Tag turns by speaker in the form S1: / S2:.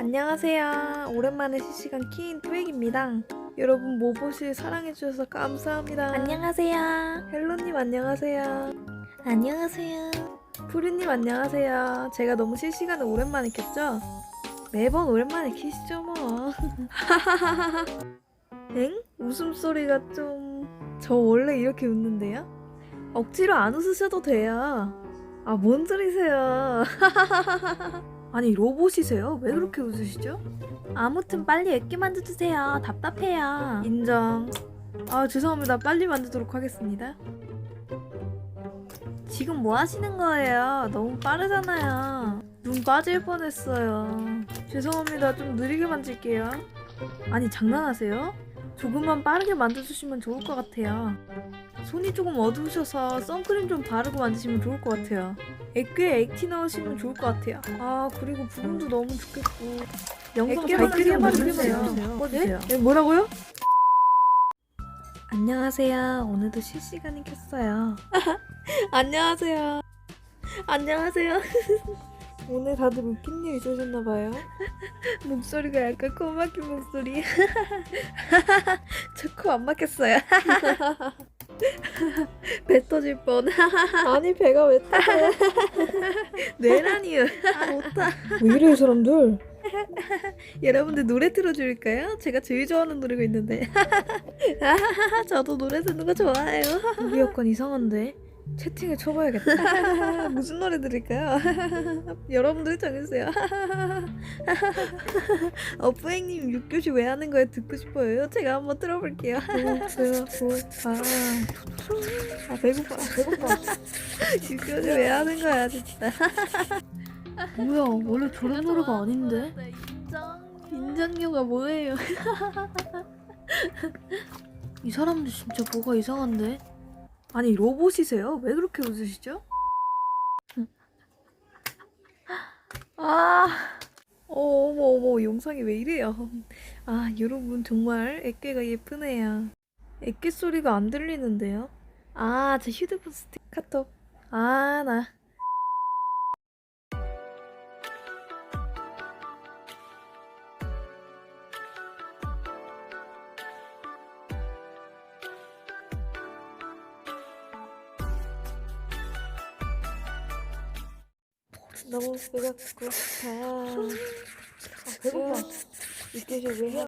S1: 안녕하세요. 오랜만에 실시간 키인 뚜액입니다. 여러분 모보실 사랑해주셔서 감사합니다.
S2: 안녕하세요.
S1: 헬로님 안녕하세요.
S2: 안녕하세요.
S1: 푸르님 안녕하세요. 제가 너무 실시간을 오랜만에 켰죠? 매번 오랜만에 키시죠 뭐. 엥? 웃음소리가 좀... 저 원래 이렇게 웃는데요? 억지로 안 웃으셔도 돼요. 아, 뭔 소리세요. 아니, 로봇이세요? 왜 그렇게 웃으시죠?
S2: 아무튼 빨리 액기 만들어주세요. 답답해요.
S1: 인정. 아, 죄송합니다. 빨리 만들도록 하겠습니다. 지금 뭐 하시는 거예요? 너무 빠르잖아요. 눈 빠질 뻔했어요. 죄송합니다. 좀 느리게 만질게요. 아니, 장난하세요? 조금만 빠르게 만들어주시면 좋을 것 같아요. 손이 조금 어두우셔서 선크림 좀 바르고 만드시면 좋을 것 같아요. 액괴에 액티 넣으시면 좋을 것 같아요. 아, 그리고 부금도 너무 좋겠고. 영상 잘 끄게 만들어주세요. 꺼주세요. 네? 뭐라고요? 안녕하세요. 오늘도 실시간이 켰어요. 안녕하세요. 안녕하세요. 오늘 다들 웃긴 일 있으셨나봐요. 목소리가 약간 코 막힌 목소리. 저 코 안 막혔어요. 배 터질 뻔. 아니, 배가 왜 터져? 뇌라니요. 아, 못하. 왜 이래 이 사람들? 여러분들 노래 틀어줄까요? 제가 제일 좋아하는 노래가 있는데. 저도 노래 듣는 거 좋아해요. 우리 약간 이상한데? 채팅을 쳐봐야겠다. 무슨 노래 들을까요? 여러분들 정해주세요. 뿌행님 6교시 왜 하는 거예요? 듣고 싶어요. 제가 한번 들어볼게요. 배고파. 6교시 왜 하는 거야 진짜.
S2: 뭐야, 원래 저런 노래가 아닌데?
S1: 인정료가 뭐예요?
S2: 이 사람들 진짜 뭐가 이상한데?
S1: 아니, 로봇이세요? 왜 그렇게 웃으시죠? 아, 어머, 영상이 왜 이래요? 아, 여러분 정말 애깨가 예쁘네요. 애깨 소리가 안 들리는데요? 아, 제 휴대폰 스틱 카톡. 아, 나. 너무 배가 고파. 배고파. 이게 왜 해?